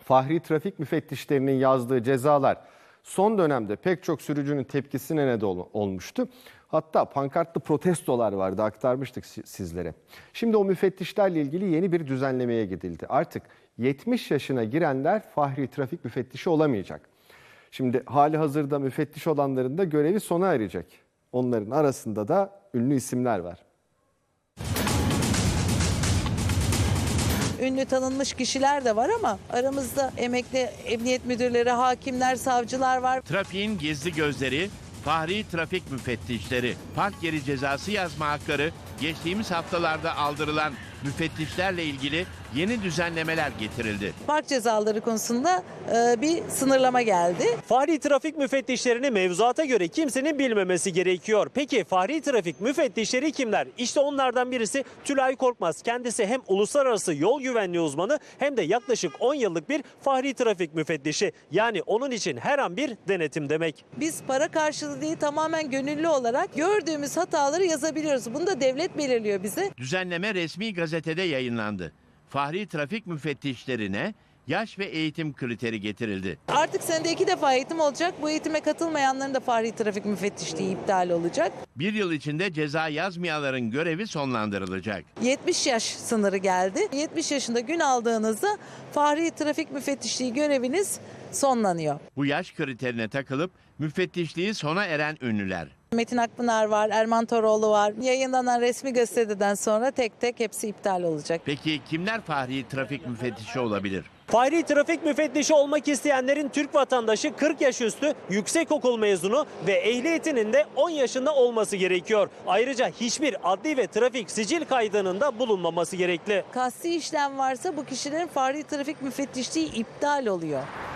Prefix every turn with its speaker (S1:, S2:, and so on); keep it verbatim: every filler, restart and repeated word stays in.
S1: Fahri trafik müfettişlerinin yazdığı cezalar son dönemde pek çok sürücünün tepkisine neden olmuştu. Hatta pankartlı protestolar vardı, aktarmıştık sizlere. Şimdi o müfettişlerle ilgili yeni bir düzenlemeye gidildi. Artık yetmiş yaşına girenler Fahri trafik müfettişi olamayacak. Şimdi hali hazırda müfettiş olanların da görevi sona erecek. Onların arasında da ünlü isimler var.
S2: Ünlü tanınmış kişiler de var ama aramızda emekli emniyet müdürleri, hakimler, savcılar var.
S3: Trafiğin gizli gözleri, Fahri trafik müfettişleri, park yeri cezası yazma hakları, geçtiğimiz haftalarda aldırılan müfettişlerle ilgili yeni düzenlemeler getirildi.
S2: Park cezaları konusunda e, bir sınırlama geldi.
S4: Fahri trafik müfettişlerini mevzuata göre kimsenin bilmemesi gerekiyor. Peki Fahri trafik müfettişleri kimler? İşte onlardan birisi Tülay Korkmaz. Kendisi hem uluslararası yol güvenliği uzmanı hem de yaklaşık on yıllık bir Fahri trafik müfettişi. Yani onun için her an bir denetim demek.
S2: Biz para karşılığı değil, tamamen gönüllü olarak gördüğümüz hataları yazabiliyoruz. Bunu da devlet belirliyor bize.
S3: Düzenleme resmi gazetede yayınlandı. Fahri trafik müfettişlerine yaş ve eğitim kriteri getirildi.
S2: Artık senede iki defa eğitim olacak. Bu eğitime katılmayanların da Fahri trafik müfettişliği iptal olacak.
S3: Bir yıl içinde ceza yazmayanların görevi sonlandırılacak.
S2: yetmiş yaş sınırı geldi. yetmiş yaşında gün aldığınızda Fahri trafik müfettişliği göreviniz sonlanıyor.
S3: Bu yaş kriterine takılıp müfettişliği sona eren ünlüler.
S2: Metin Akpınar var, Erman Toroğlu var. Yayınlanan resmi gazeteden sonra tek tek hepsi iptal olacak.
S3: Peki kimler Fahri trafik müfettişi olabilir?
S4: Fahri trafik müfettişi olmak isteyenlerin Türk vatandaşı, kırk yaş üstü, yüksekokul mezunu ve ehliyetinin de on yaşında olması gerekiyor. Ayrıca hiçbir adli ve trafik sicil kaydının da bulunmaması gerekli.
S2: Kasti işlem varsa bu kişilerin Fahri trafik müfettişliği iptal oluyor.